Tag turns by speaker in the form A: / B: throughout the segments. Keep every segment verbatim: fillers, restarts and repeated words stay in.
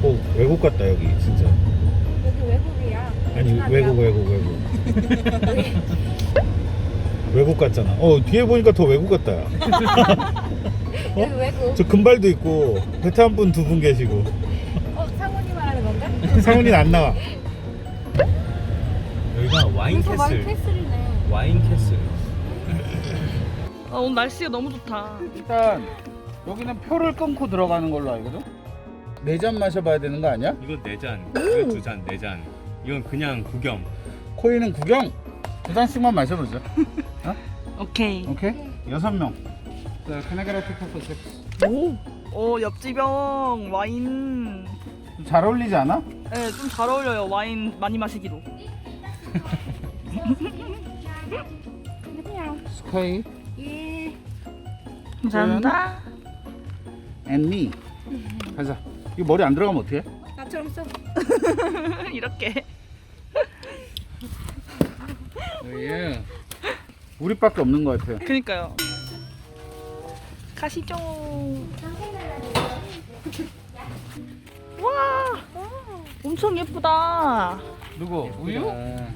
A: 뭐 외국 같다 여기 진짜.
B: 여기 외국이야.
A: 아니
B: 베트남이야.
A: 외국 외국 외국. 외국 같잖아. 어 뒤에 보니까 더 외국 같다. 야.
B: 여기 외국.
A: 저 금발도 있고 베트남 분 두 분 계시고.
B: 어, 상훈이 말하는 건가?
A: 상훈이는 안 나와.
C: 여기가 와인
B: 여기서 와인
C: 캐슬.
B: 캐슬이네.
C: 와인 캐슬.
D: 아, 오늘 날씨가 너무 좋다.
A: 일단 여기는 표를 끊고 들어가는 걸로 알거든. 네 잔 마셔봐야 되는 거 아니야?
C: 이거 네 잔, 이거 두 잔, 네 잔. 이건 그냥 구경.
A: 코이는 구경. 두 잔씩만 마셔보자.
D: 오케이.
A: 오케이. 여섯 명. 자, can I get a pick for six?
D: 오, 오 옆집형 와인.
A: 좀 잘 어울리지 않아?
D: 네, 좀 잘 어울려요. 와인 많이 마시기로.
A: 스카이
B: 예.
D: 감사합니다.
A: and me. 가자. 이 머리 안 들어가면 어떡해?
B: 나처럼 써.
D: 이렇게.
A: 예. 우리밖에 없는 것 같아요.
D: 그니까요. 가시죠. 와, 엄청 예쁘다.
A: 누구? 우유?
B: 아니야.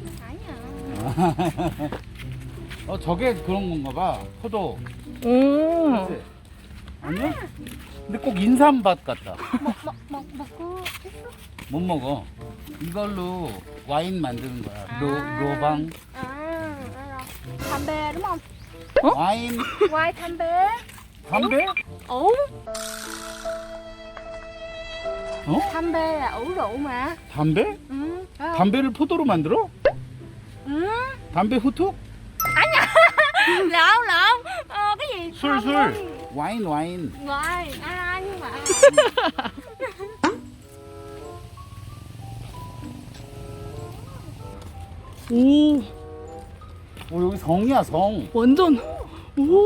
A: 어 저게 그런 건가 봐. 포도.
D: 오,
A: 그치? 아니야? 근데 꼭 인삼밭 같다.
B: 먹, 먹, 먹고 있어?
A: 못 먹어. 이걸로 와인 만드는 거야. 로, 로방.
B: 아, 알아. 담배, đúng không?
A: 와인.
B: 와이 담배.
A: 담배?
B: ủ
A: 어?
B: 담배 là ủ rượu mà.
A: 담배?
B: Ừ. Phải không?
A: 담배를 포도로 만들어?
B: Ừ.
A: 담배 후툭?
B: lộn lộn ờ, cái gì
A: 술,
B: không
A: 술.
B: luôn.
A: 와인, 와인.
B: Rồi à, nhưng mà
D: 오,
A: 오, 여기 성이야, 성.
D: 완전. 오,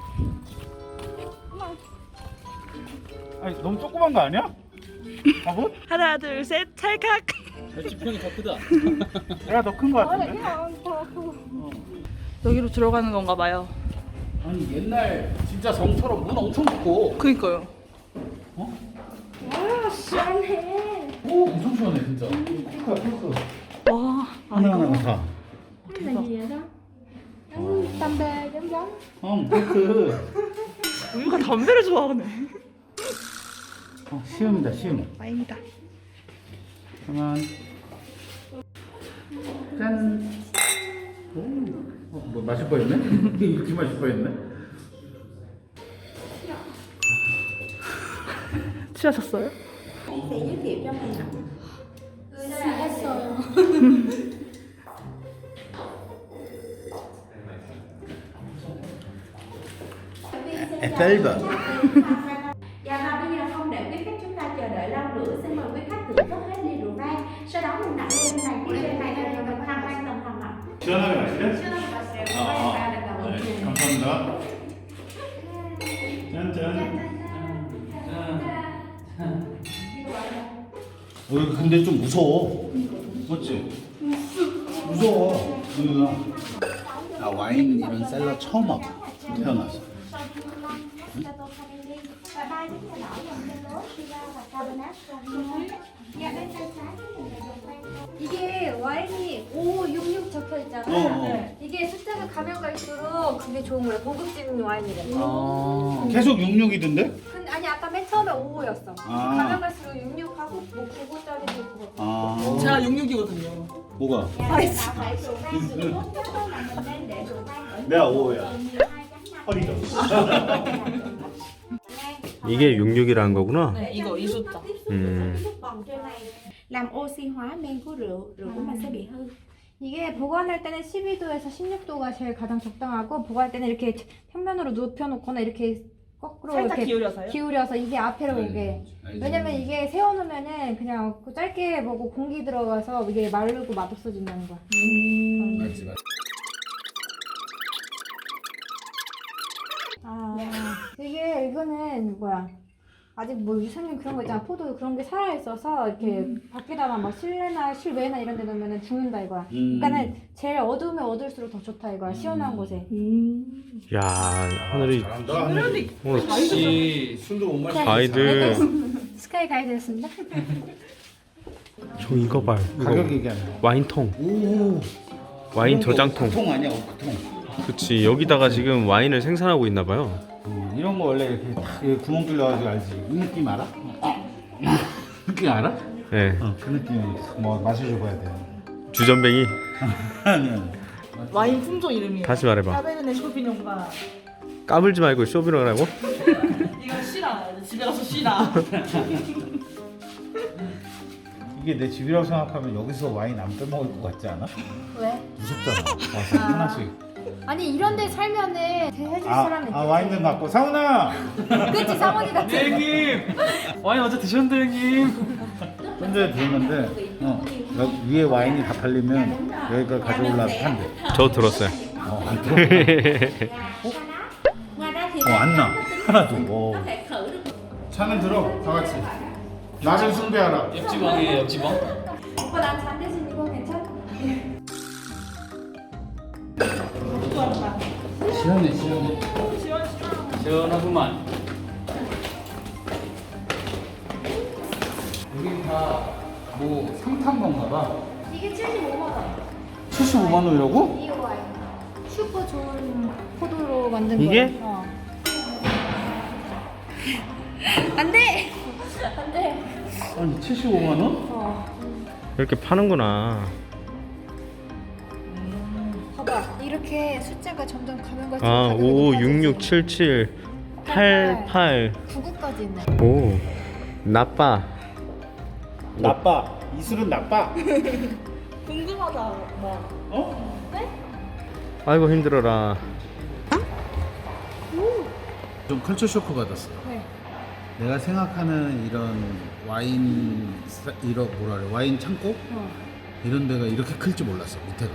A: 아니, 너무 조그만 거 아니야? 바보?
D: 하나, 둘, 셋, 찰칵.
C: 지평이 더 크다.
A: 내가 더 큰 거
B: Ủa là
A: 같은데?
B: cái hồn thua.
D: 여기로 들어가는 건가 봐요.
A: 아니, 옛날 진짜 성처럼 문 엄청 깊고.
D: 그니까요.
A: 어?
B: Wow, 시원해.
A: 오, 엄청 시원해, 진짜. 핑크야, 핑크.
D: 와, 아
A: 하나하나가
D: 이거.
A: 다.
B: Cái là gì vậy đó? Giống 담배 giống giống.
A: 어, 핑크.
D: 우유가 담배를 좋아하네.
A: 어, 시음이다, 시음.
D: 와인이다.
A: 그러면 짠. 오, 어, 뭐 마실 뻔했네? 이렇게 마실 뻔했네?
D: 취하셨어요?
B: 했어요.
A: 에펠바.
E: Dạ và bây giờ không để quý khách chúng ta chờ đợi lâu nữa, xin mời quý khách thưởng thức hết ly rượu vang. Sau đó mình đặt lên này, tiếp trên này là mình tham quan tầng hầm ạ.
A: 시원하게 마실래?
E: 시원하게 마세요.
A: 아, 아.
E: 아, 아.
A: 네, 감사합니다. 짠짠. 어, 근데 좀 무서워. 맞지? 무서워. 누나. 나 와인 이런 셀러 처음 와봐. 태어나서.
E: Và ba chiếc nhà đỏ dòng Zalo, Shiva và Cabernet Sauvignon. Dạ bên tay trái thì là dòng vang.
B: 이게 와인이 오육육 적혀 있잖아.
A: 어, 어.
B: 네. 이게 숫자가 가면 갈수록 그게 좋은 거래. 고급진 와인이래.
A: 아, 계속 육육이던데?
B: 근데 아니 아까 맨 처음에 오였어.
A: 아.
B: 가면 갈수록 육육하고 뭐 구구짜리도 있고.
A: 아,
D: 제가 육육이거든요.
A: 뭐가?
E: Dạ bên tạo phải rượu vang được tốt nhất là mình nên để rượu vang ở
A: 내가 오야.
E: mười hai chấm năm.
A: 허리죠.
C: 이게 육육이라는 거구나.
D: 네, 이거 이 숫자.
C: 음.
E: Vòng trên này làm oxy hóa men của rượu, rượu của mình sẽ bị hư.
B: 이게 보관할 때는 십이 도에서 십육 도가 제일 가장 적당하고 보관할 때는 이렇게 평면으로 눕혀놓거나 이렇게 거꾸로
D: 살짝
B: 이렇게
D: 기울여서요?
B: 기울여서 이게 앞에로 오게. 왜냐면 이게 세워놓으면은 그냥 짧게 보고 공기 들어가서 이게 마르고 맛없어진다는 거야.
D: 음.
A: 맞지, 맞지.
B: 아 이게 이거는 뭐야? 아직 뭐 유산균 그런 거 있잖아. 포도 그런 게 살아 있어서 이렇게 밖에다가 막 실내나 실외나 이런 데 놓으면 죽는다 이거야.
A: 음.
B: 그러니까는 제일 어두우면 어두울수록 더 좋다 이거야. 시원한 곳에.
D: 음.
C: 야, 하늘이
A: 잘한다. 하늘이.
C: 오늘
A: 혹시 술도 못 마시는
C: 아이들
B: 스카이 가이드였습니다.
C: 저 이거 봐요.
A: 가격 얘기하는 거.
C: 와인통.
A: 오.
C: 와인 저장통.
A: 통 아니야, 오크통.
C: 그치. 여기다가 지금 와인을 생산하고 있나 봐요.
A: 음, 이런 거 원래 이렇게 딱 이렇게 구멍 뚫려가지고 알지? 이 느낌 알아? 느낌 알아?
C: 네.
A: 어, 그 느낌이 뭐 마셔줘봐야 돼.
C: 주전뱅이.
A: 아니 아니.
D: 와인 품종 이름이에요.
C: 다시 말해봐.
D: 카베르네 쇼비뇽과
C: 까불지 말고 쇼비로라고?
D: 이거 쉬라. 집에 가서 쉬라.
A: 이게 내 집이라고 생각하면 여기서 와인 안 빼먹을 것 같지 않아?
B: 왜?
A: 무섭잖아. 와서 하나씩.
B: 아니 이런 데 살면은 해줄
A: 아,
B: 사람이
A: 아 와인 좀 갖고 상훈아.
B: 그치 상원이 같은
C: 형님! 와인 어제 드셨는데 형님?
A: 현재 들었는데 어, 여기 위에 와인이 다 팔리면 여기가 가져올라서 판대.
C: 저 들었어요.
A: 어, 안 들어.
E: Ngoài ra thì
A: 어, 안 나. 하나도. 어.
E: có thể khử được.
A: 차는 들어. 다 같이. 낮은 숭배하라.
C: 옆지방이에요, 옆지방.
B: 오빠 난 잔 대신 이거 괜찮아?
A: 시원해 시원해.
C: 시원하구만.
A: 여기 다뭐 상탄 건가 봐.
B: 이게 칠십오만 원.
A: 칠십오만 원이라고?
B: 이 와인 슈퍼 좋은 포도로 만든
C: 이게?
B: 거야. 어. 안돼. 안돼.
A: 아니 칠십오만 원?
B: 어.
C: 이렇게 파는구나.
B: 봐봐 이렇게 숫자가 점점 가면 갈수록
C: 아,
B: 가격이
C: 오,
B: 높아지지.
C: 육육, 칠칠, 팔팔.
B: 구구까지 있네.
C: 오, 나빠.
A: 나빠. 이 술은 나빠.
D: 궁금하다. 뭐.
A: 어?
C: 아이고 힘들어라.
A: 좀 컬처 쇼크 받았어.
B: 네.
A: 내가 생각하는 이런 와인 사- 이런 뭐라 그래 와인 창고
B: 어.
A: 이런 데가 이렇게 클 줄 몰랐어 밑에가.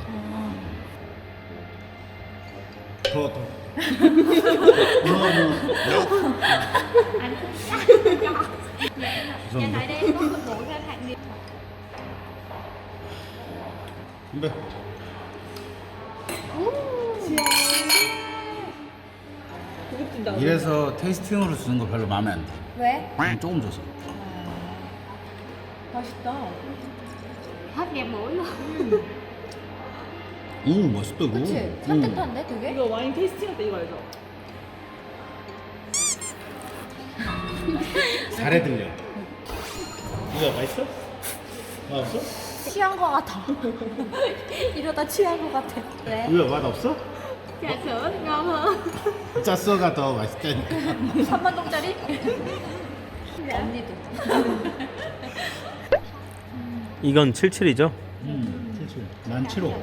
A: 더 더.
E: Nhà tại đây có phân bổ ra hạng nghiệp.
A: 근데
D: 고급진다.
A: 이래서 테이스팅으로 주는 거 별로 마음에 안 돼.
B: 왜?
A: 그냥 조금 줘서.
D: 맛있다.
E: Hết đẹp mũi luôn.
A: 오 맛있다 이거.
B: 그치?
A: 응.
B: 산뜻한데 되게?
D: 이거 와인 테이스팅 할 때 이거 알죠?
A: 잘해 들려. 이거 맛있어? 맛없어?
B: 취한 거 같아. 이러다 취한 거 같아. 왜?
A: 이거 맛 없어?
E: Trà sữa ngon hơn.
A: 짰어가 더 맛있다니까.
B: 삼만 동짜리? 언니도.
C: 이건 칠칠이죠?
A: 음, 칠칠. 난 칠호.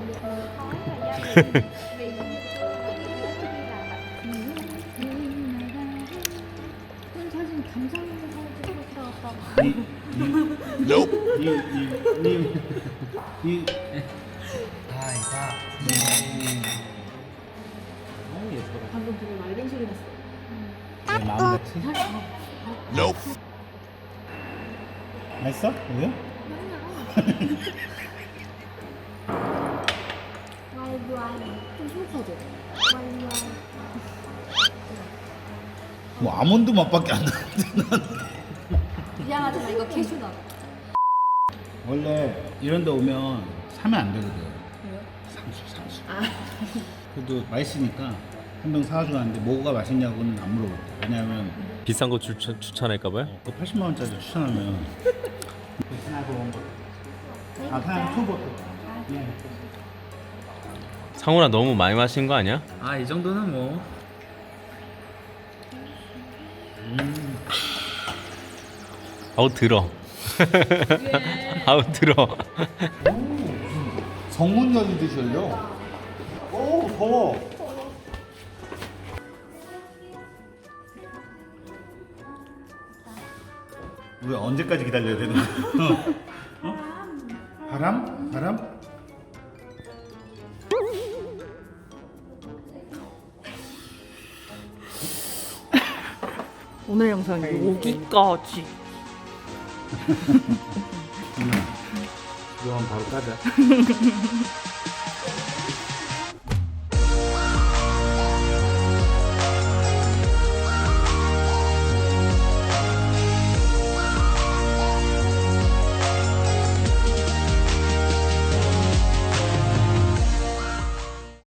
B: 그런 사진 감성 있는 사진 찍고 있다.
A: 이, 이, 이, 이, 이, 이.
D: 방금 되게 맑은 소리 났어.
A: 내 마음 같이. 맛있어? 이거?
B: 좀 소소하죠?
A: 뭐 아몬드 맛밖에 안 나는데.
B: 미안하지만 이거 캐슈넛.
A: 원래 이런 데 오면 사면 안 되거든. 상수, 상수. 그래도 맛있으니까 한 병 사가지고 왔는데 뭐가 맛있냐고는 안 물어봤대. 왜냐면
C: 비싼 거 추천, 추천할까봐요?
A: 그 팔십만 원짜리 추천하면 아 그냥 투버터.
C: 상훈아 너무 많이 마신 거 아니야?
F: 아, 이 정도는 뭐.
C: 아우 들어. 아우 들어.
A: 성문 열리듯이 열려. 오 더워. 우리 언제까지 기다려야 되는 거야? 어? 바람? 바람?
D: 오늘 영상이 여기까지.
A: 이거 바로 까자.